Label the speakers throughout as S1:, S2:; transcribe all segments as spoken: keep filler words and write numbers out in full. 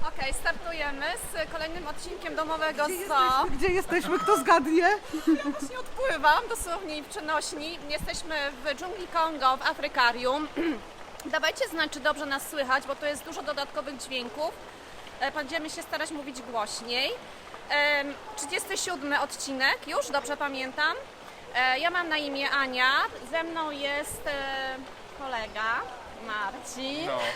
S1: Okej, startujemy z kolejnym odcinkiem domowego
S2: Gdzie
S1: zoo.
S2: jesteśmy? Gdzie jesteśmy? Kto zgadnie?
S1: Ja właśnie odpływam, dosłownie w przenośni. Jesteśmy w dżungli Kongo, w Afrykarium. Dawajcie znać, czy dobrze nas słychać, bo tu jest dużo dodatkowych dźwięków. E, Będziemy się starać mówić głośniej. Em, trzydziesty siódmy odcinek, już dobrze pamiętam. E, Ja mam na imię Ania, ze mną jest e, kolega Marcin.
S3: No,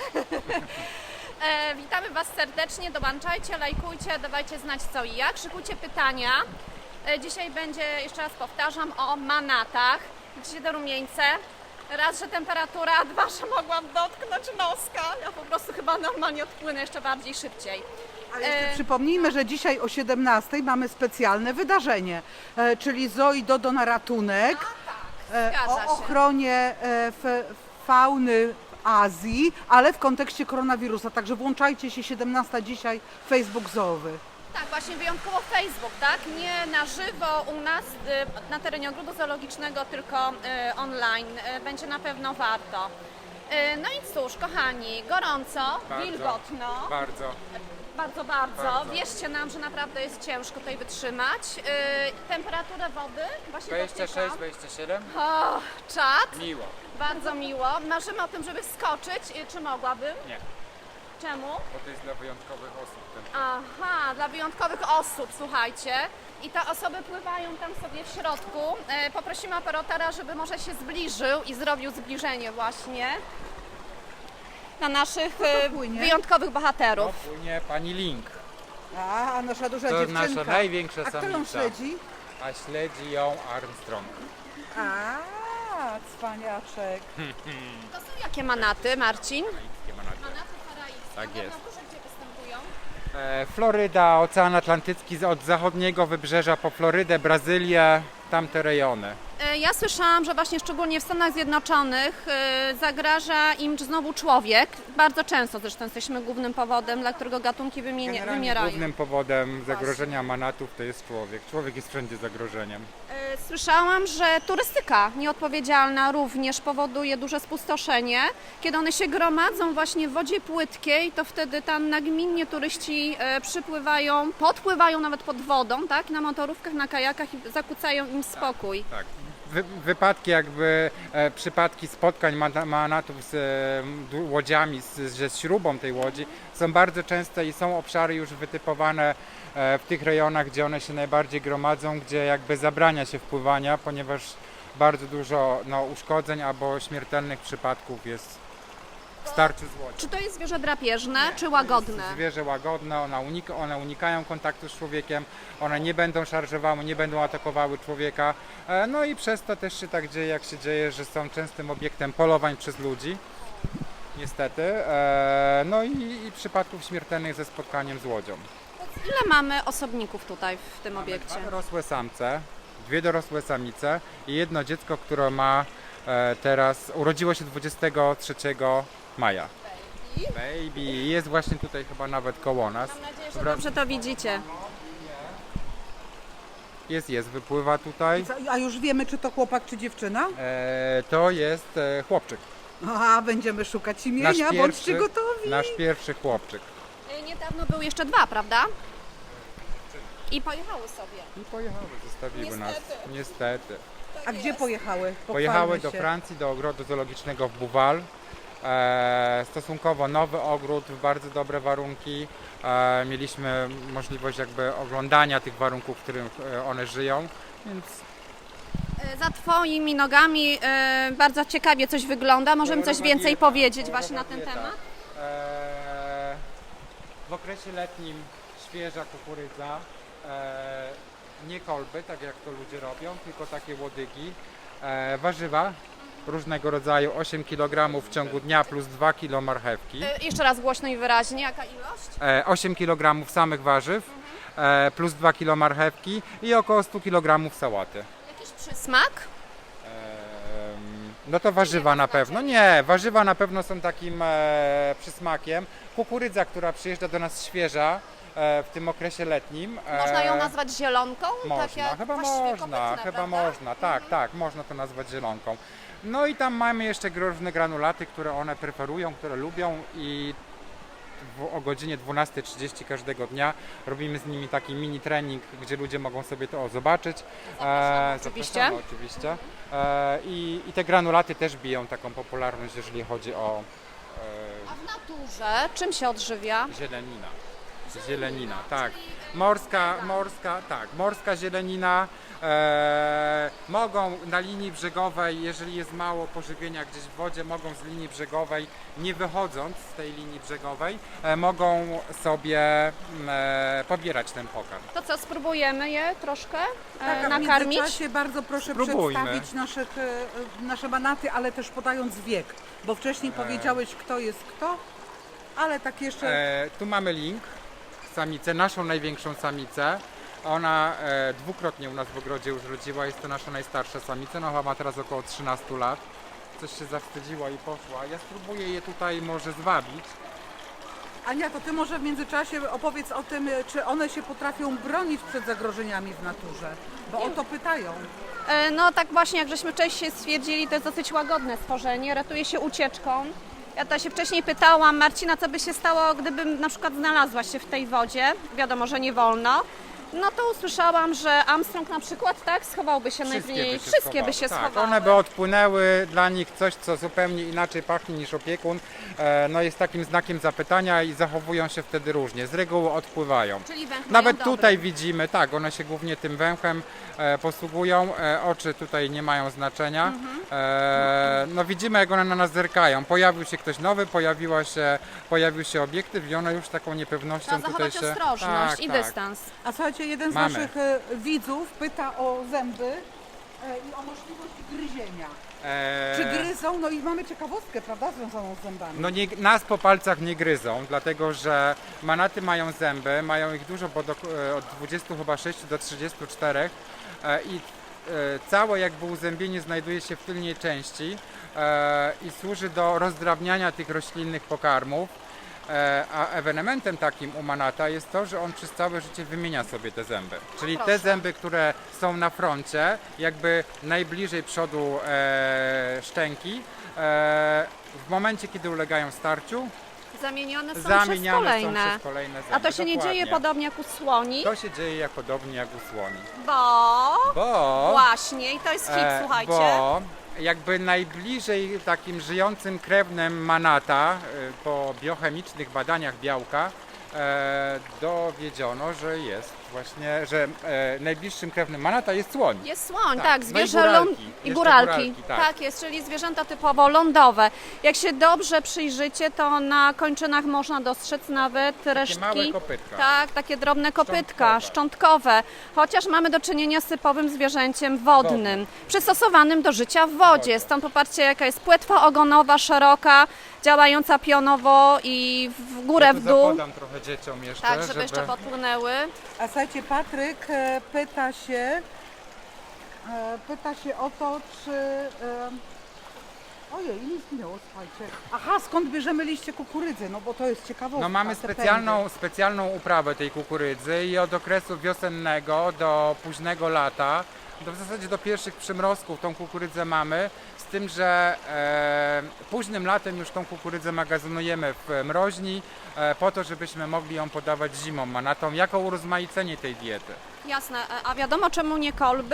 S1: E, witamy Was serdecznie, dołączajcie, lajkujcie, dawajcie znać co i jak, szykujcie pytania. E, dzisiaj będzie, jeszcze raz powtarzam, o manatach. Widzicie te rumieńce? Raz, że temperatura, a dwa, że mogłam dotknąć noska. Ja po prostu chyba normalnie odpłynę jeszcze bardziej szybciej.
S2: Ale jeszcze
S1: E,
S2: przypomnijmy, że dzisiaj o siedemnastej mamy specjalne wydarzenie, e, czyli Zoo i Dodo na ratunek e,
S1: zgadza
S2: o
S1: się.
S2: ochronie e, f, fauny w Azji, ale w kontekście koronawirusa. Także włączajcie się siedemnasta dzisiaj, Facebook Zoowy.
S1: Tak, właśnie wyjątkowo Facebook, tak? Nie na żywo u nas y, na terenie ogrodu zoologicznego, tylko y, online. Y, Będzie na pewno warto. Y, No i cóż, kochani, gorąco,
S3: Bardzo.
S1: wilgotno.
S3: bardzo.
S1: Bardzo, bardzo.
S3: Bardzo.
S1: Wierzcie nam, że naprawdę jest ciężko tutaj wytrzymać. Yy, temperaturę wody właśnie
S3: dwadzieścia sześć,
S1: dotykam.
S3: dwadzieścia siedem?
S1: O, czad.
S3: Miło.
S1: Bardzo miło. Marzymy o tym, żeby wskoczyć. Yy, Czy mogłabym?
S3: Nie,
S1: Czemu?
S3: bo to jest dla wyjątkowych osób. Ten...
S1: Aha, dla wyjątkowych osób, słuchajcie. I te osoby pływają tam sobie w środku. Yy, Poprosimy operatora, żeby może się zbliżył i zrobił zbliżenie właśnie na naszych yy,
S2: płynie?
S1: wyjątkowych
S3: No,
S1: bohaterów.
S3: płynie pani Link,
S2: A, nasza duża
S3: to
S2: dziewczynka.
S3: nasza największa
S2: A kto ją
S3: samica.
S2: śledzi?
S3: A śledzi ją Armstrong.
S2: A, cwaniaczek.
S1: To są jakie manaty, Marcin?
S3: Karaibskie manaty.
S1: Manaty karaibskie.
S3: Tak
S1: A
S3: jest.
S1: na górze gdzie występują?
S3: E, Floryda, Ocean Atlantycki z- od zachodniego wybrzeża po Florydę, Brazylię, tamte rejony.
S1: E, Ja słyszałam, że właśnie szczególnie w Stanach Zjednoczonych e, zagraża im znowu człowiek. Bardzo często zresztą jesteśmy głównym powodem, dla którego gatunki wymienia,
S3: Generalnie
S1: wymierają.
S3: głównym powodem zagrożenia manatów to jest człowiek. Człowiek jest wszędzie zagrożeniem.
S1: E, Słyszałam, że turystyka nieodpowiedzialna również powoduje duże spustoszenie. Kiedy one się gromadzą właśnie w wodzie płytkiej, to wtedy tam nagminnie turyści e, przypływają, podpływają nawet pod wodą, tak? Na motorówkach, na kajakach i zakłócają im spokój.
S3: Tak. Wy, wypadki jakby, e, przypadki spotkań mana- manatów z e, du- łodziami, z, z, z śrubą tej łodzi są bardzo częste i są obszary już wytypowane e, w tych rejonach, gdzie one się najbardziej gromadzą, gdzie jakby zabrania się wpływania, ponieważ bardzo dużo no, uszkodzeń albo śmiertelnych przypadków jest w starciu z łodzią.
S1: Czy to jest zwierzę drapieżne, czy łagodne?
S3: Zwierzę łagodne, one, unika, one unikają kontaktu z człowiekiem, one nie będą szarżowały, nie będą atakowały człowieka. E, No i przez to też się tak dzieje, jak się dzieje, że są częstym obiektem polowań przez ludzi. Niestety. E, No i, i przypadków śmiertelnych ze spotkaniem z łodzią.
S1: Ile mamy osobników tutaj w tym obiekcie?
S3: Dwa dorosłe samce, dwie dorosłe samice i jedno dziecko, które ma e, teraz, urodziło się dwudziestego trzeciego maja. Baby jest właśnie tutaj chyba nawet koło nas.
S1: Mam nadzieję, że
S3: Dobra.
S1: dobrze to widzicie.
S3: Jest, jest, wypływa tutaj.
S2: Co, a już wiemy, czy to chłopak, czy dziewczyna?
S3: E, to jest e, chłopczyk.
S2: A, będziemy szukać
S3: Nasz
S2: imienia, bądźcie
S3: pierwszy,
S2: gotowi.
S3: nasz pierwszy chłopczyk.
S1: Y, Niedawno były jeszcze dwa, prawda? I pojechały sobie.
S3: I pojechały, zostawiły nas.
S1: Niestety.
S3: Niestety.
S2: A gdzie pojechały?
S3: Pojechały
S2: Pochwalmy
S3: do
S2: się.
S3: Francji, do ogrodu zoologicznego w Buwal. E, stosunkowo nowy ogród, w bardzo dobre warunki. E, mieliśmy możliwość jakby oglądania tych warunków, w których e, one żyją, więc
S1: Y, Za Twoimi nogami y, bardzo ciekawie coś wygląda. Możemy coś
S3: kolorowa
S1: więcej
S3: dieta,
S1: powiedzieć
S3: kolorowa
S1: właśnie na ten
S3: dieta.
S1: temat?
S3: E, w okresie letnim świeża kukurydza, e, nie kolby, tak jak to ludzie robią, tylko takie łodygi, e, warzywa różnego rodzaju, osiem kilogramów w ciągu dnia plus dwa kilo marchewki,
S1: Y, Jeszcze raz głośno i wyraźnie, jaka ilość?
S3: e, osiem kilogramów samych warzyw e, plus dwa kilo marchewki i około sto kilogramów sałaty.
S1: Jakiś przysmak?
S3: Em, No to warzywa na pewno. Nie, warzywa na pewno są takim e, przysmakiem. Kukurydza, która przyjeżdża do nas świeża e, w tym okresie letnim. e,
S1: Można ją nazwać zielonką?
S3: Można,
S1: tak jak
S3: chyba
S1: właściwie
S3: można,
S1: kopytne,
S3: chyba
S1: prawda?
S3: można, tak, tak, można to nazwać zielonką. No i tam mamy jeszcze różne granulaty, które one preferują, które lubią i w, o godzinie dwunastej trzydzieści każdego dnia. Robimy z nimi taki mini trening, gdzie ludzie mogą sobie to zobaczyć.
S1: Zapraszamy,
S3: E,
S1: oczywiście.
S3: zapraszamy, oczywiście. E, i, I te granulaty też biją taką popularność, jeżeli chodzi o
S1: A w naturze czym się odżywia?
S3: e, zielenina. Zielenina, tak. Morska, morska, tak, morska zielenina. E, mogą na linii brzegowej, jeżeli jest mało pożywienia gdzieś w wodzie, mogą z linii brzegowej, nie wychodząc z tej linii brzegowej, e, mogą sobie mm, e, pobierać ten pokarm.
S1: To co, spróbujemy je troszkę e,
S2: Tak, a w
S1: nakarmić?
S2: międzyczasie bardzo proszę
S3: Spróbujmy.
S2: przedstawić naszych, e, nasze manaty, ale też podając wiek, bo wcześniej powiedziałeś, kto jest kto, ale tak jeszcze...
S3: E, tu mamy link, samicę, naszą największą samicę. Ona e, dwukrotnie u nas w ogrodzie już rodziła, jest to nasza najstarsza samica, no chyba ma teraz około trzynaście lat. Coś się zawstydziła i poszła. Ja spróbuję je tutaj może zwabić.
S2: Ania, to ty może w międzyczasie opowiedz o tym, czy one się potrafią bronić przed zagrożeniami w naturze, bo o to pytają.
S1: E, No tak właśnie, jak żeśmy wcześniej stwierdzili, to jest dosyć łagodne stworzenie, ratuje się ucieczką. Ja to się wcześniej pytałam Marcina, co by się stało, gdybym na przykład znalazła się w tej wodzie. Wiadomo, że nie wolno. No to usłyszałam, że Armstrong na przykład, tak, schowałby się najmniej. Wszystkie by się
S3: tak,
S1: schowały.
S3: one by odpłynęły, dla nich coś, co zupełnie inaczej pachnie niż opiekun, e, no jest takim znakiem zapytania i zachowują się wtedy różnie. Z reguły odpływają.
S1: Czyli węch mają
S3: Nawet
S1: dobry.
S3: tutaj widzimy, tak, one się głównie tym węchem e, posługują, e, oczy tutaj nie mają znaczenia.
S1: Mhm.
S3: E, no widzimy, jak one na nas zerkają. Pojawił się ktoś nowy, pojawiła się, pojawił się obiektyw i one już taką niepewnością
S1: Trzeba
S3: tutaj
S1: zachować
S3: się...
S1: ostrożność
S3: tak,
S1: i
S3: tak.
S1: dystans.
S2: A słuchajcie, jeden z
S3: Mamy.
S2: naszych e, widzów pyta o zęby e, i o możliwość gryzienia.
S3: E,
S2: Czy gryzą? No i mamy ciekawostkę, prawda, związaną z zębami.
S3: No nie, nas po palcach nie gryzą, dlatego że manaty mają zęby, mają ich dużo, bo do, e, od dwudziestu chyba sześciu do trzydziestu czterech e, i e, całe jakby uzębienie znajduje się w tylnej części e, i służy do rozdrabniania tych roślinnych pokarmów. E, A ewenementem takim u manata jest to, że on przez całe życie wymienia sobie te zęby. Czyli te
S1: proszę.
S3: zęby, które są na froncie, jakby najbliżej przodu e, szczęki, e, w momencie, kiedy ulegają starciu,
S1: Zamienione są przez
S3: zamieniane
S1: kolejne.
S3: są przez kolejne zęby.
S1: A to się nie
S3: Dokładnie.
S1: dzieje podobnie jak u słoni,
S3: To się dzieje jak podobnie jak u słoni.
S1: bo
S3: Bo,
S1: właśnie, i to jest hit,
S3: e,
S1: słuchajcie.
S3: bo jakby najbliżej takim żyjącym krewnym manata e, po biochemicznych badaniach białka e, dowiedziono, że jest właśnie, że e, najbliższym krewnym manata jest słoń.
S1: Jest słoń,
S3: Tak,
S1: tak,
S3: no i
S1: zwierzę
S3: góralki.
S1: ląd... i
S3: Jeszcze
S1: góralki.
S3: góralki, tak.
S1: tak jest, czyli zwierzęta typowo lądowe. Jak się dobrze przyjrzycie, to na kończynach można dostrzec nawet resztki.
S3: małe kopytka.
S1: Tak, takie drobne kopytka,
S3: Szczątkowe.
S1: szczątkowe. Chociaż mamy do czynienia z typowym zwierzęciem wodnym, przystosowanym do życia w wodzie. Stąd popatrzcie, jaka jest płetwa ogonowa, szeroka, działająca pionowo i w górę,
S3: Ja
S1: w
S3: tu
S1: dół.
S3: zapodam trochę dzieciom jeszcze,
S1: Tak, żeby jeszcze podpłynęły.
S2: A słuchajcie, Patryk e, pyta się, e, pyta się o to, czy... E, ojej, nic minęło, słuchajcie. Aha, skąd bierzemy liście kukurydzy? No bo to jest ciekawostka.
S3: No mamy
S2: te pędy.
S3: specjalną, specjalną uprawę tej kukurydzy i od okresu wiosennego do późnego lata, do, w zasadzie do pierwszych przymrozków tą kukurydzę mamy, z tym, że e, późnym latem już tą kukurydzę magazynujemy w mroźni, e, po to, żebyśmy mogli ją podawać zimą manatom, jako urozmaicenie tej diety.
S1: Jasne, a wiadomo czemu nie kolby?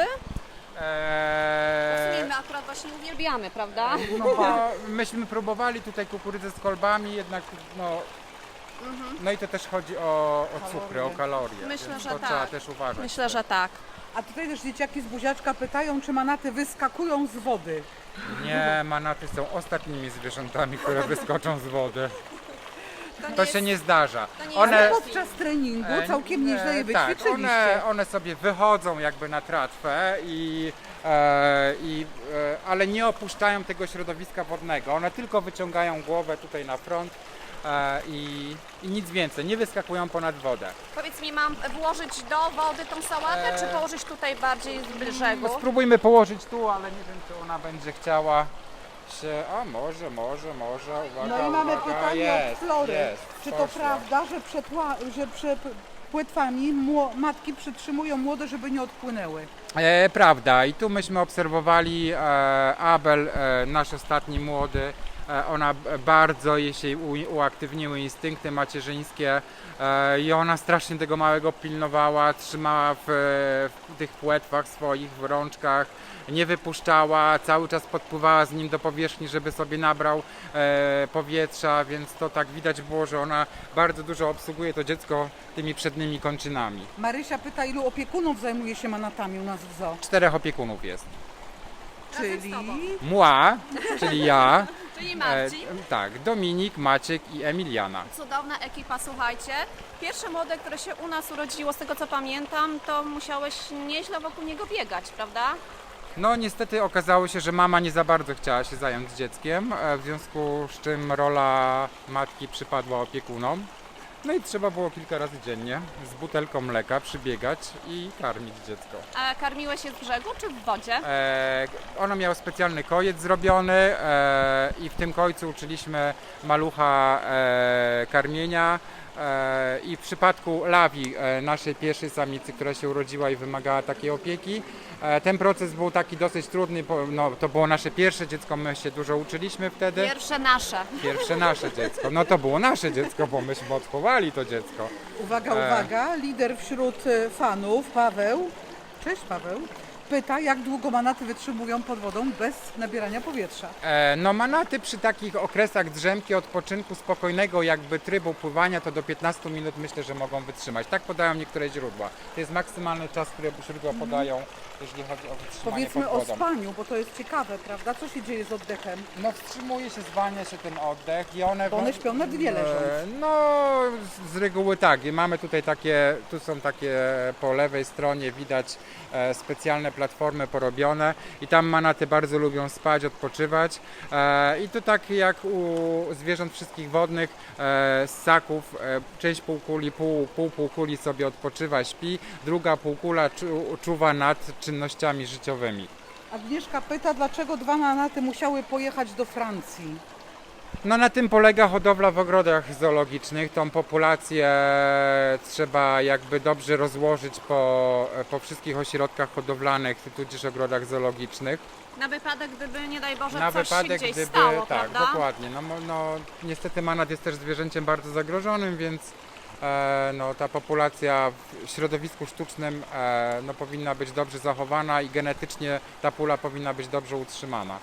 S3: E,
S1: Pasujemy, akurat właśnie uwielbiamy, prawda?
S2: No ba.
S3: no, myśmy próbowali tutaj kukurydzę z kolbami, jednak no, no i to też chodzi o, o cukry, o kalorie.
S1: Myślę,
S3: więc
S1: że
S3: to
S1: tak.
S3: trzeba też uważać.
S1: Myślę, że tak.
S2: A tutaj też dzieciaki z buziaczka pytają, czy manaty wyskakują z wody.
S3: Nie, manaty są ostatnimi zwierzętami, które wyskoczą z wody.
S1: nie
S3: To
S1: jest-
S3: się nie zdarza.
S1: to nie
S3: One,
S2: Ale
S1: jest-
S2: podczas treningu
S3: e,
S2: całkiem nieźle je
S3: e, tak,
S2: wyćwiczyliście.
S3: one, one sobie wychodzą jakby na tratwę, i, e, i, e, ale nie opuszczają tego środowiska wodnego. One tylko wyciągają głowę tutaj na front e, i, i nic więcej. Nie wyskakują ponad wodę.
S1: Powiedz mi, mam włożyć do wody tą sałatę,
S3: Eee.
S1: czy położyć tutaj bardziej z brzegu?
S3: No, spróbujmy położyć tu, ale nie wiem, czy ona będzie chciała się... A może, może, może. Uwaga,
S2: No i mamy
S3: uwaga.
S2: pytanie
S3: jest,
S2: od Flory.
S3: Jest,
S2: Czy to
S3: poszła.
S2: prawda, że przed, ła- że przed płetwami mło- matki przytrzymują młode, żeby nie odpłynęły?
S3: E, prawda, i tu myśmy obserwowali e, Abel, e, nasz ostatni młody, e, ona b- bardzo jej się u- uaktywniły instynkty macierzyńskie e, i ona strasznie tego małego pilnowała, trzymała w, w tych płetwach swoich, w rączkach, nie wypuszczała, cały czas podpływała z nim do powierzchni, żeby sobie nabrał e, powietrza, więc to tak widać było, że ona bardzo dużo obsługuje to dziecko tymi przednimi kończynami.
S2: Marysia pyta, ilu opiekunów zajmuje się manatami u nas w zoo?
S3: Czterech opiekunów jest.
S1: Razem z
S2: Czyli
S1: tobą.
S3: Mła, czyli ja,
S1: Czyli
S3: e,
S1: Marcin.
S3: tak, Dominik, Maciek i Emiliana.
S1: Cudowna ekipa, słuchajcie. Pierwsze młode, które się u nas urodziło, z tego co pamiętam, to musiałeś nieźle wokół niego biegać, prawda?
S3: No niestety okazało się, że mama nie za bardzo chciała się zająć dzieckiem, e, w związku z czym rola matki przypadła opiekunom. No i trzeba było kilka razy dziennie z butelką mleka przybiegać i karmić dziecko.
S1: A karmiłeś je z brzegu czy w wodzie?
S3: E, ono miało specjalny kojec zrobiony e, i w tym kojcu uczyliśmy malucha e, karmienia. E, I w przypadku Lawi, e, naszej pierwszej samicy, która się urodziła i wymagała takiej opieki, e, ten proces był taki dosyć trudny, bo no, to było nasze pierwsze dziecko, my się dużo uczyliśmy wtedy.
S1: Pierwsze nasze.
S3: Pierwsze nasze dziecko. No to było nasze dziecko, bo myśmy odchowali to dziecko.
S2: uwaga,
S3: E.
S2: uwaga, lider wśród e, fanów, Paweł, cześć Paweł, pyta, jak długo manaty wytrzymują pod wodą bez nabierania powietrza.
S3: E, No manaty przy takich okresach drzemki, odpoczynku spokojnego jakby trybu pływania to do piętnastu minut myślę, że mogą wytrzymać. Tak podają niektóre źródła. To jest maksymalny czas, który źródła podają, jeśli chodzi o wytrzymanie
S2: Powiedzmy
S3: pod
S2: o
S3: wodą.
S2: spaniu, bo to jest ciekawe, prawda? Co się dzieje z oddechem?
S3: No wstrzymuje się, zwalnia się ten oddech i one...
S2: Bo one śpią na dwie leżąc.
S3: E, No z- z reguły tak. I mamy tutaj takie, tu są takie po lewej stronie widać e, specjalne platformy porobione i tam manaty bardzo lubią spać, odpoczywać. E, I to tak jak u zwierząt wszystkich wodnych, e, z ssaków, e, część półkuli, pół, pół półkuli sobie odpoczywa, śpi, druga półkula czu, czuwa nad czynnościami życiowymi.
S2: Agnieszka pyta, dlaczego dwa manaty musiały pojechać do Francji.
S3: No na tym polega hodowla w ogrodach zoologicznych. Tą populację trzeba jakby dobrze rozłożyć po, po wszystkich ośrodkach hodowlanych, tudzież ogrodach zoologicznych.
S1: Na wypadek, gdyby nie daj Boże
S3: Na
S1: coś
S3: wypadek,
S1: się gdzieś
S3: gdyby...
S1: stało,
S3: tak,
S1: prawda?
S3: dokładnie. No, mo- no, niestety manat jest też zwierzęciem bardzo zagrożonym, więc e, no, ta populacja w środowisku sztucznym e, no, powinna być dobrze zachowana i genetycznie ta pula powinna być dobrze utrzymana.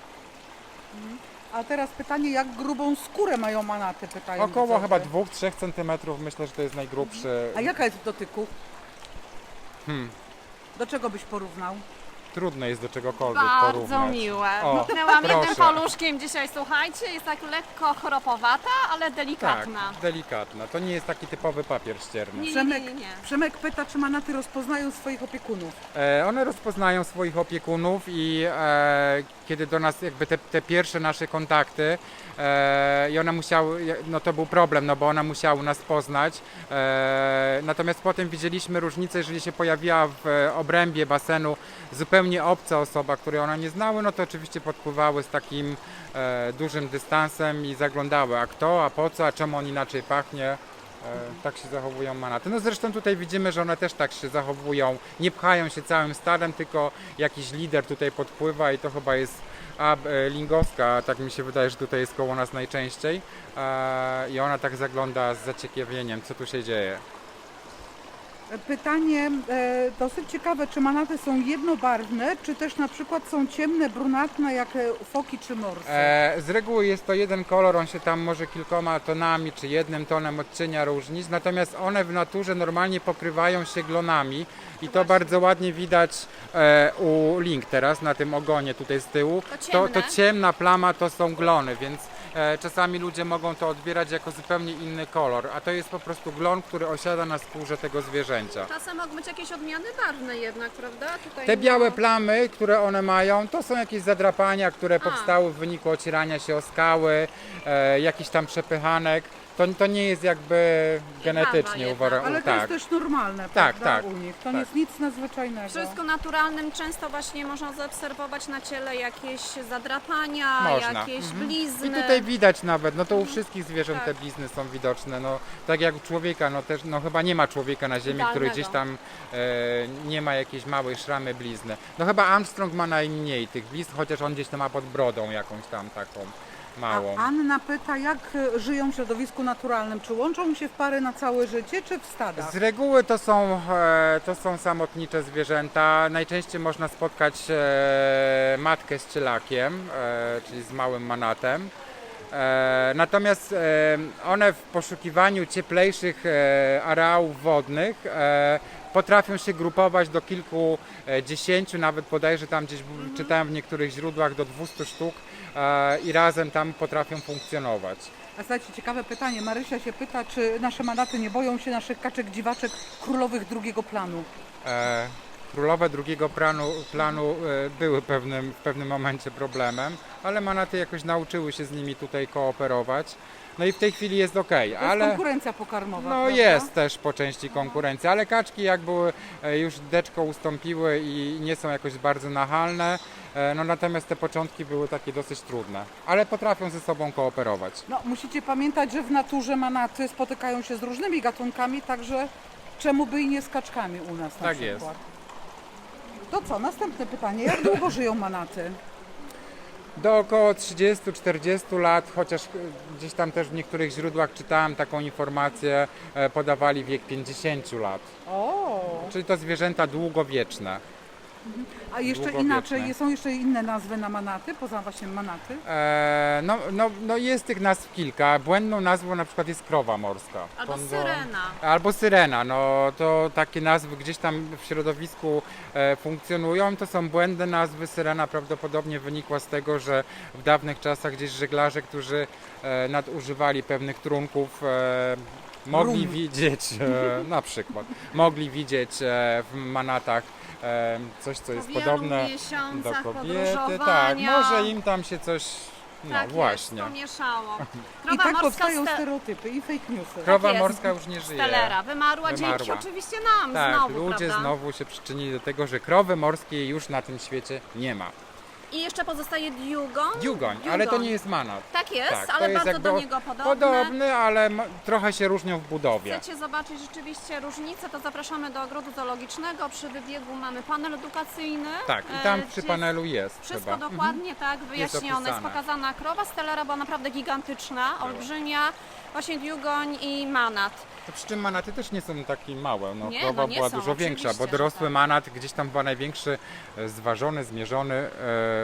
S2: A teraz pytanie, jak grubą skórę mają manaty, pytają
S3: Około
S2: widzowie.
S3: chyba dwóch do trzech centymetrów, myślę, że to jest najgrubszy.
S2: A jaka jest w dotyku?
S3: Hmm.
S2: Do czego byś porównał?
S3: Trudno jest do czegokolwiek
S1: Bardzo
S3: porównać.
S1: miłe.
S3: O,
S1: Mknęłam jednym
S3: proszę.
S1: paluszkiem dzisiaj, słuchajcie, jest tak lekko chropowata, ale
S3: Tak,
S1: delikatna.
S3: delikatna. To nie jest taki typowy papier ścierny.
S1: Nie, nie,
S2: Przemek,
S1: nie, nie.
S2: Przemek pyta, czy manaty rozpoznają swoich opiekunów.
S3: E, one rozpoznają swoich opiekunów i e, kiedy do nas jakby te, te pierwsze nasze kontakty e, i one musiały, no to był problem, no bo one musiały nas poznać. E, natomiast potem widzieliśmy różnicę, jeżeli się pojawiła w e, obrębie basenu zupełnie obca osoba, której one nie znały, no to oczywiście podpływały z takim e, dużym dystansem i zaglądały, a kto, a po co, a czemu on inaczej pachnie. E, Tak się zachowują manaty. No zresztą tutaj widzimy, że one też tak się zachowują. Nie pchają się całym stadem, tylko jakiś lider tutaj podpływa i to chyba jest a, e, lingowska, tak mi się wydaje, że tutaj jest koło nas najczęściej. E, I ona tak zagląda z zaciekawieniem, co tu się dzieje.
S2: Pytanie e, dosyć ciekawe, czy manaty są jednobarwne, czy też na przykład są ciemne, brunatne, jak e, foki czy morsy?
S3: E, z reguły jest to jeden kolor, on się tam może kilkoma tonami czy jednym tonem odcienia różnić, natomiast one w naturze normalnie pokrywają się glonami i to bardzo ładnie widać e, u Link teraz na tym ogonie tutaj z tyłu.
S1: To
S3: To, to
S1: ciemne.
S3: ciemna plama to są glony, więc e, czasami ludzie mogą to odbierać jako zupełnie inny kolor, a to jest po prostu glon, który osiada na skórze tego zwierzęcia.
S1: Czasem mogą być jakieś odmiany barwne jednak, prawda? Tutaj
S3: Te
S1: no-
S3: białe plamy, które one mają, to są jakieś zadrapania, które powstały w wyniku ocierania się o skały, e, jakiś tam przepychanek. To, to nie jest jakby genetycznie
S1: jednak.
S3: uwarunkowane.
S2: Ale to
S3: tak.
S2: jest też normalne,
S3: Tak,
S2: prawda,
S3: tak,
S2: u nich. To
S3: tak.
S2: nie jest nic nadzwyczajnego.
S1: Wszystko naturalnym, często właśnie można zaobserwować na ciele jakieś zadrapania,
S3: Można.
S1: jakieś
S3: Mhm.
S1: blizny.
S3: I tutaj widać nawet, no to u wszystkich zwierząt
S1: Tak.
S3: te blizny są widoczne. No, tak jak u człowieka, no też no chyba nie ma człowieka na ziemi, który
S1: Idealnego.
S3: gdzieś tam e, nie ma jakiejś małej szramy blizny. No chyba Armstrong ma najmniej tych blizn, chociaż on gdzieś tam ma pod brodą jakąś tam taką. małą.
S2: A Anna pyta, jak e, żyją w środowisku naturalnym? Czy łączą się w pary na całe życie, czy w stadach?
S3: Z reguły to są, e, to są samotnicze zwierzęta. Najczęściej można spotkać e, matkę z cielakiem, e, czyli z małym manatem. E, natomiast e, one w poszukiwaniu cieplejszych e, areałów wodnych e, potrafią się grupować do kilkudziesięciu, nawet bodajże tam gdzieś w- czytałem w niektórych źródłach do dwustu sztuk e, i razem tam potrafią funkcjonować.
S2: A słuchajcie, ciekawe pytanie. Marysia się pyta, czy nasze manaty nie boją się naszych kaczek dziwaczek królowych drugiego planu?
S3: E, Królowe drugiego planu, planu e, były pewnym, w pewnym momencie problemem, ale manaty jakoś nauczyły się z nimi tutaj kooperować. No i w tej chwili jest ok,
S2: To jest
S3: ale
S2: konkurencja pokarmowa,
S3: no
S2: prawda?
S3: jest też po części konkurencja, ale kaczki jak były e, już deczko ustąpiły i nie są jakoś bardzo nachalne, e, no natomiast te początki były takie dosyć trudne, ale potrafią ze sobą kooperować.
S2: No, musicie pamiętać, że w naturze manaty spotykają się z różnymi gatunkami, także czemu by i nie z kaczkami u nas na
S3: Tak
S2: przykład.
S3: jest.
S2: To co, następne pytanie. Jak długo żyją manaty?
S3: Do około trzydziestu czterdziestu lat, chociaż e, gdzieś tam też w niektórych źródłach czytałem taką informację, e, podawali wiek pięćdziesięciu lat.
S2: O,
S3: Czyli to zwierzęta długowieczne.
S2: a jeszcze
S3: Długowieczne.
S2: inaczej, są jeszcze inne nazwy na manaty, poza właśnie manaty?
S3: E, no, no, no jest tych nazw kilka. Błędną nazwą na przykład jest krowa morska.
S1: Albo
S3: To- to-
S1: syrena.
S3: Albo syrena, no to takie nazwy gdzieś tam w środowisku e, funkcjonują. To są błędne nazwy. Syrena prawdopodobnie wynikła z tego, że w dawnych czasach gdzieś żeglarze, którzy e, nadużywali pewnych trunków, e, mogli
S2: Rum.
S3: widzieć, e, na przykład, mogli widzieć e, w manatach e, coś, co jest
S1: Po wielu
S3: podobne do
S1: miesiącach
S3: kobiety. Tak,
S1: podróżowania.
S3: może im tam się coś, no
S1: tak
S3: właśnie.
S1: jest, pomieszało.
S2: I
S1: Krowa
S2: tak
S1: morska
S2: powstają
S1: ste-
S2: stereotypy i fake newsy.
S3: Krowa
S1: jest.
S3: morska już nie żyje.
S1: Stelera wymarła, dzięki
S3: Wymarła.
S1: oczywiście nam
S3: Tak,
S1: znowu,
S3: ludzie
S1: prawda?
S3: znowu się przyczynili do tego, że krowy morskiej już na tym świecie nie ma.
S1: I jeszcze pozostaje diugon.
S3: Diugoń, ale to nie jest manat.
S1: Tak jest,
S3: Tak, to
S1: ale
S3: jest
S1: bardzo
S3: jakby
S1: do
S3: o-
S1: niego podobne.
S3: Podobny, ale m- trochę się różnią w budowie.
S1: Chcecie zobaczyć rzeczywiście różnicę, to zapraszamy do ogrodu zoologicznego. Przy wybiegu mamy panel edukacyjny.
S3: Tak, i
S1: e,
S3: tam
S1: gdzie
S3: przy
S1: jest
S3: panelu jest
S1: Wszystko
S3: chyba.
S1: dokładnie tak wyjaśnione, jest,
S3: opisane.
S1: pokazana krowa. Stelera była naprawdę gigantyczna, olbrzymia. Właśnie diugoń i manat.
S3: To przy czym manaty też nie są takie małe. No,
S1: Nie,
S3: krowa
S1: no nie
S3: była
S1: są,
S3: dużo większa, bo
S1: oczywiście, że
S3: dorosły
S1: tak.
S3: manat gdzieś tam chyba największy e, zważony, zmierzony e,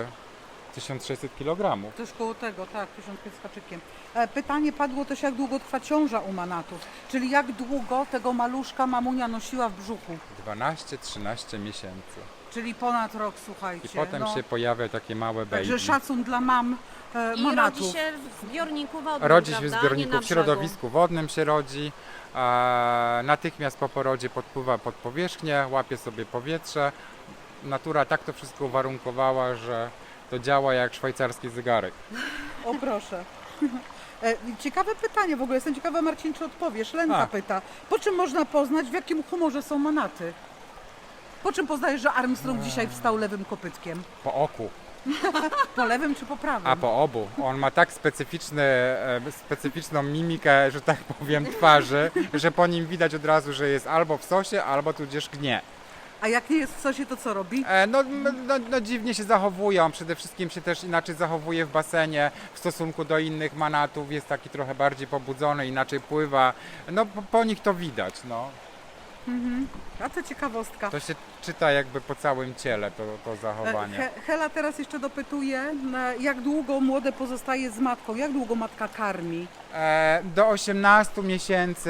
S3: tysiąc sześćset kilogramów.
S2: Też koło tego, tak, tysiąc pięćset z haczykiem. E, Pytanie padło też, jak długo trwa ciąża u manatów, czyli jak długo tego maluszka mamunia nosiła w brzuchu,
S3: dwanaście trzynaście miesięcy.
S2: czyli ponad rok, słuchajcie.
S3: I potem
S2: no.
S3: się pojawia takie małe baby.
S2: Także szacun dla mam e,
S1: I
S2: manatów.
S1: rodzi się w zbiorniku wodnym,
S3: Rodzi się w
S1: prawda?
S3: zbiorniku,
S1: Nie na
S3: w środowisku wodnym się rodzi, a natychmiast po porodzie podpływa pod powierzchnię, łapie sobie powietrze. Natura tak to wszystko uwarunkowała, że to działa jak szwajcarski zegarek.
S2: O proszę. E, Ciekawe pytanie w ogóle, jestem ciekawa, Marcin, czy odpowiesz. Lenka
S3: A.
S2: pyta, po czym można poznać, w jakim humorze są manaty? Po czym poznajesz, że Armstrong dzisiaj wstał lewym kopytkiem?
S3: Po oku,
S2: Po lewym czy po prawym?
S3: a po obu. On ma tak specyficzny, e, specyficzną mimikę, że tak powiem, twarzy, że po nim widać od razu, że jest albo w sosie, albo tudzież gnie.
S2: A jak nie jest w sosie, to co robi?
S3: E, No, m- no, no dziwnie się zachowują, przede wszystkim się też inaczej zachowuje w basenie w stosunku do innych manatów, jest taki trochę bardziej pobudzony, inaczej pływa, no po, po nich to widać, no.
S2: A to ciekawostka.
S3: To się czyta jakby po całym ciele to, to
S2: E,
S3: zachowanie.
S2: He, Hela teraz jeszcze dopytuje, e, jak długo młode pozostaje z matką, jak długo matka karmi?
S3: E, do osiemnastu miesięcy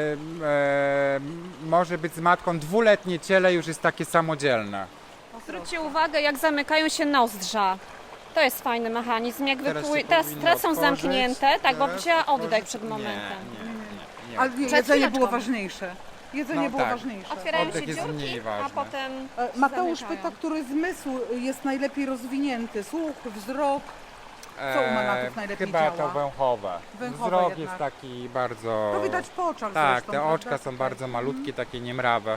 S3: e, może być z matką, dwuletnie ciele już jest takie samodzielne.
S1: Zwróćcie uwagę, jak zamykają się nozdrza. To jest fajny mechanizm. Jak
S3: Teraz
S1: wypły...
S3: się
S1: teraz,
S3: powinno
S1: teraz są
S3: otworzyć,
S1: zamknięte, tak, bo
S3: teraz
S1: wzięła oddech
S3: otworzyć.
S1: przed
S3: Nie,
S1: momentem.
S3: Nie, nie, nie, nie.
S2: Ale nie,
S1: Przed
S2: jedzenie
S1: chwileczką.
S2: było ważniejsze. Jedzenie
S3: No
S2: było
S3: tak.
S2: ważniejsze.
S1: Otwierają
S3: Oddech
S1: się
S3: jest
S1: dziurki,
S3: mniej
S1: a
S3: ważny.
S1: potem
S2: E, Mateusz
S1: zamykają.
S2: pyta, który zmysł jest najlepiej rozwinięty? Słuch, wzrok? Co u manatów najlepiej
S3: Chyba
S2: działa?
S3: to węchowe.
S2: Węchowe
S3: Wzrok
S2: jednak.
S3: jest taki bardzo...
S2: To widać po oczach
S3: Tak,
S2: zresztą,
S3: te
S2: prawda?
S3: oczka są bardzo malutkie, takie niemrawe.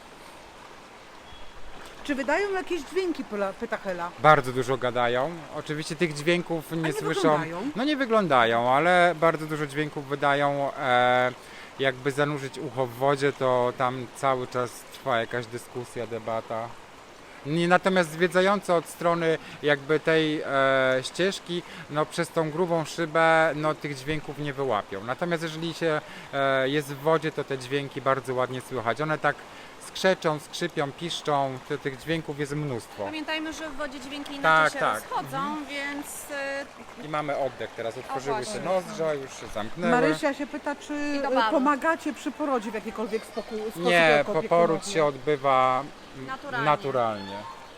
S2: Czy wydają jakieś dźwięki, pyla- pyta Hela?
S3: Bardzo dużo gadają. Oczywiście tych dźwięków nie,
S2: nie
S3: słyszą.
S2: wyglądają?
S3: No nie wyglądają, ale bardzo dużo dźwięków wydają. E, jakby zanurzyć ucho w wodzie, to tam cały czas trwa jakaś dyskusja, debata. Nie, natomiast zwiedzający od strony jakby tej e, ścieżki, no przez tą grubą szybę, no tych dźwięków nie wyłapią. Natomiast jeżeli się e, jest w wodzie, to te dźwięki bardzo ładnie słychać. One tak skrzeczą, skrzypią, piszczą, to, tych dźwięków jest mnóstwo.
S1: Pamiętajmy, że w wodzie dźwięki
S3: Tak,
S1: inaczej się
S3: tak.
S1: rozchodzą, więc y,
S3: I mamy oddech teraz, otworzyły
S1: właśnie.
S3: się nozdrza, już się zamknęły.
S2: Marysia się pyta, czy
S1: I do
S2: e,
S1: baru.
S2: pomagacie przy porodzie w jakikolwiek spokój, sposób
S3: Nie,
S2: jako
S3: po poród
S2: opiekunowie?
S3: się odbywa mm,
S1: Naturalnie.
S3: naturalnie.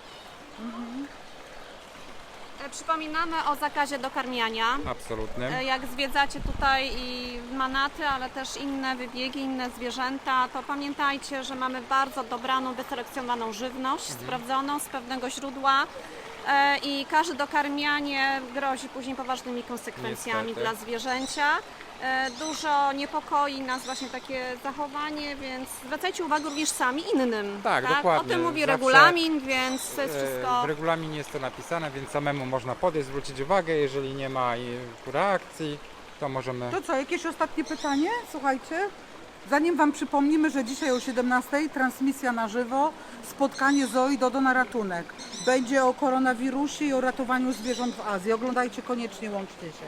S1: e, przypominamy o zakazie dokarmiania.
S3: Absolutnym.
S1: E, Jak zwiedzacie tutaj i Manaty, ale też inne wybiegi, inne zwierzęta, to pamiętajcie, że mamy bardzo dobraną, wyselekcjonowaną żywność,
S3: Mhm.
S1: sprawdzoną z pewnego źródła. E, I każde dokarmianie grozi później poważnymi konsekwencjami
S3: Niestety.
S1: dla zwierzęcia. E, Dużo niepokoi nas właśnie takie zachowanie, więc zwracajcie uwagę również sami innym.
S3: Tak,
S1: O
S3: dokładnie.
S1: tym mówi
S3: Zawsze,
S1: regulamin, więc to jest
S3: E,
S1: wszystko.
S3: W regulaminie jest to napisane, więc samemu można podejść, zwrócić uwagę. Jeżeli nie ma e, reakcji, to możemy.
S2: To co, jakieś ostatnie pytanie? Słuchajcie, zanim Wam przypomnimy, że dzisiaj o siedemnastej transmisja na żywo, spotkanie Zoi Dodo na ratunek. Będzie o koronawirusie i o ratowaniu zwierząt w Azji. Oglądajcie koniecznie, łączcie się.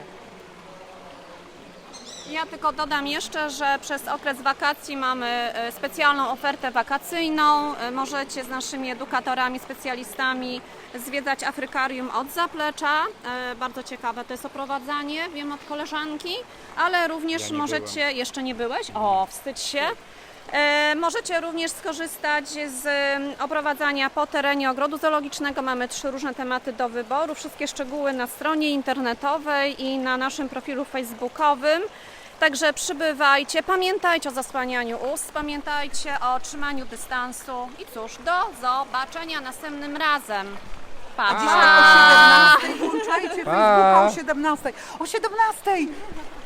S1: Ja tylko dodam jeszcze, że przez okres wakacji mamy e, specjalną ofertę wakacyjną. E, Możecie z naszymi edukatorami, specjalistami zwiedzać Afrykarium od zaplecza. E, Bardzo ciekawe to jest oprowadzanie, wiem od koleżanki, ale również
S3: Ja nie
S1: możecie, jeszcze nie byłeś? O, wstydź się. E, Możecie również skorzystać z em, oprowadzania po terenie ogrodu zoologicznego. Mamy trzy różne tematy do wyboru. Wszystkie szczegóły na stronie internetowej i na naszym profilu facebookowym. Także przybywajcie, pamiętajcie o zasłanianiu ust, pamiętajcie o trzymaniu dystansu i cóż, do zobaczenia następnym razem. Pa!
S2: Dzisiaj o siedemnastej włączajcie
S3: Pa.
S2: Facebooka o siedemnastej. O siedemnastej!